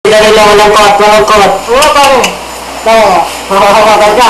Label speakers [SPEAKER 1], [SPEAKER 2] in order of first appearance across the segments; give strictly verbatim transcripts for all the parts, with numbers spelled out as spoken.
[SPEAKER 1] Dali lang walang kot, walang kot.
[SPEAKER 2] Oo, pare. Oo. Makakakakal ka.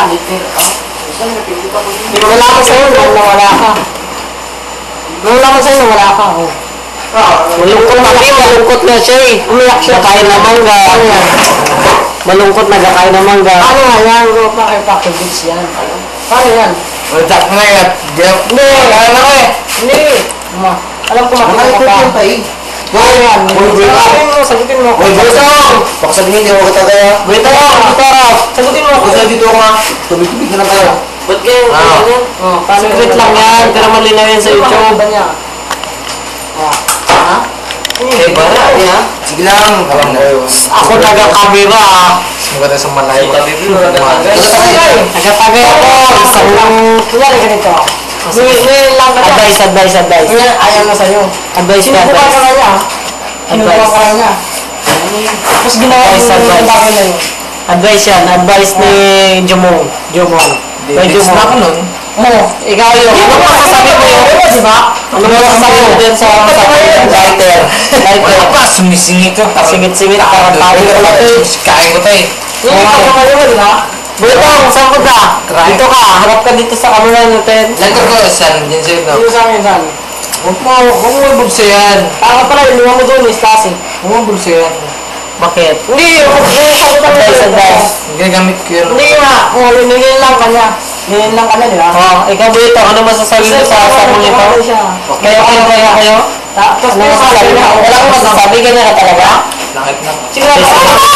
[SPEAKER 1] Wala ko sa'yo nung nawala ka. Wala ko sa'yo nung wala ka. Oh. Malungkot na kayo, malungkot na siya eh. Umiyak siya. Nakain na mangga. Malungkot na kakain na mangga.
[SPEAKER 2] Ano nga yan? Ano pa kayo package yan? Paano yan?
[SPEAKER 3] Wala ko na yan.
[SPEAKER 2] Hindi.
[SPEAKER 3] Ano ko eh?
[SPEAKER 2] Hindi. Ma. Alam ko makikita ka.
[SPEAKER 3] Ano ko eh?
[SPEAKER 2] Ano yan? Sagutin mo, sagutin mo.
[SPEAKER 3] Uy, Bultong! Baka sabihin niyo ako kaya.
[SPEAKER 2] Bultong! Bultong! Sagutin mo.
[SPEAKER 3] Basta dito ako nga. Tubig-tubig na lang tayo.
[SPEAKER 1] Ba't kayo?
[SPEAKER 3] Ah.
[SPEAKER 2] Oh, paano
[SPEAKER 1] Secret lang yan, pero malinaw yan sa YouTube.
[SPEAKER 2] Ba niya? Oh. Ha?
[SPEAKER 3] Eh, bara. Sige lang. Alam na yun.
[SPEAKER 1] Ako taga-kamera ah.
[SPEAKER 3] Maganda sa malay.
[SPEAKER 1] Taga-tagay ako. Isang lang.
[SPEAKER 2] Kunyari ganito. Ngayon lang ka niya.
[SPEAKER 1] Advice, advice, advice.
[SPEAKER 2] Ngayon, ayaw na sa'yo.
[SPEAKER 1] Advice ka,
[SPEAKER 2] Sinubukan ka
[SPEAKER 1] advice.
[SPEAKER 2] na niya. Sinubukan ka na niya. Tapos ginawa
[SPEAKER 1] Advice,
[SPEAKER 2] mo yung
[SPEAKER 1] advice.
[SPEAKER 2] bagay na yun.
[SPEAKER 1] Advice yan, advice ni Jumong. Jumong. May
[SPEAKER 3] Next na ako
[SPEAKER 1] Jumong.
[SPEAKER 3] nun.
[SPEAKER 1] Mo, ikaw yun. Ano mo masasabi mo yun?
[SPEAKER 2] Diba, diba?
[SPEAKER 1] Ano mo masasabi mo din sa lighter?
[SPEAKER 3] Wala
[SPEAKER 1] Lighter.
[SPEAKER 3] pa. Sumisingit ko.
[SPEAKER 1] Singit-singit, parang tayo ko lang eh.
[SPEAKER 3] Kain ko tayo.
[SPEAKER 2] Yung ipagkakayo mo, diba?
[SPEAKER 1] Bultong, saan ko ka? Dito ka, harap ka dito sa camera natin.
[SPEAKER 3] Lagkar ko, san? Diyan sa'yo na.
[SPEAKER 2] Yung sa akin, saan?
[SPEAKER 3] Huwag mo, huwag mo bulsa yan.
[SPEAKER 2] Taka pala, inuha mo doon, is kasi.
[SPEAKER 3] Huwag mo bulsa yan.
[SPEAKER 1] Bakit?
[SPEAKER 2] Hindi, yung sagutan mo.
[SPEAKER 1] Advice, advice.
[SPEAKER 3] Ginagamit ko yun.
[SPEAKER 2] Hindi nga, oh, nilin lang ka niya. Nilin lang ka na, diba?
[SPEAKER 1] Oh, ikaw Bulto, ano masasabi mo sa sabong ito? Kayo, kayo, kayo, kayo?
[SPEAKER 2] Tapos
[SPEAKER 1] Ano masasabi mo? Wala kang masasabi, ganyan ka talaga?
[SPEAKER 3] Langit na.
[SPEAKER 2] Sige na,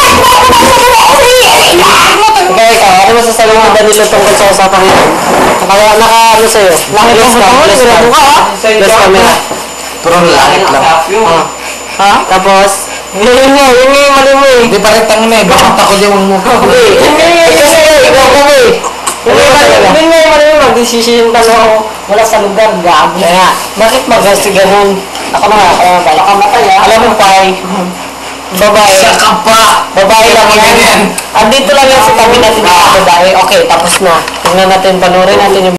[SPEAKER 1] Ikaw, ikaw, ano masasabi mo Danilo tungkol sa usapang ito? Kaya naka, ano sa'yo? Langit
[SPEAKER 2] Bless
[SPEAKER 1] ka,
[SPEAKER 2] ka,
[SPEAKER 1] bless ka.
[SPEAKER 2] sigurado ka, ha?
[SPEAKER 1] Bless camera.
[SPEAKER 3] Puro langit lang.
[SPEAKER 1] Ah. Ha? Tapos? Yun yun nga, yun nga yung mali mo eh.
[SPEAKER 3] Hindi pa rin tangin na eh. Bakit ako dyan mong mukha?
[SPEAKER 1] Hindi, yun nga yung kasi ikaw ko eh.
[SPEAKER 2] Hindi
[SPEAKER 1] Ano
[SPEAKER 2] nga,
[SPEAKER 1] talaga?
[SPEAKER 2] hindi nga yung ano, magdesisyon ka na ako. Wala sa lugar, gabi.
[SPEAKER 1] Kaya nga, bakit magasi ganun? Ako na nga, ako na nga.
[SPEAKER 2] Baka matay, ha?
[SPEAKER 1] Alam mo, Pai, babae.
[SPEAKER 3] Sa kapa!
[SPEAKER 1] Babae lang yan.
[SPEAKER 3] Ganyan.
[SPEAKER 1] Andito lang yan sa tabi natin ng babae. Okay, tapos na. Tingnan natin, panoorin natin yung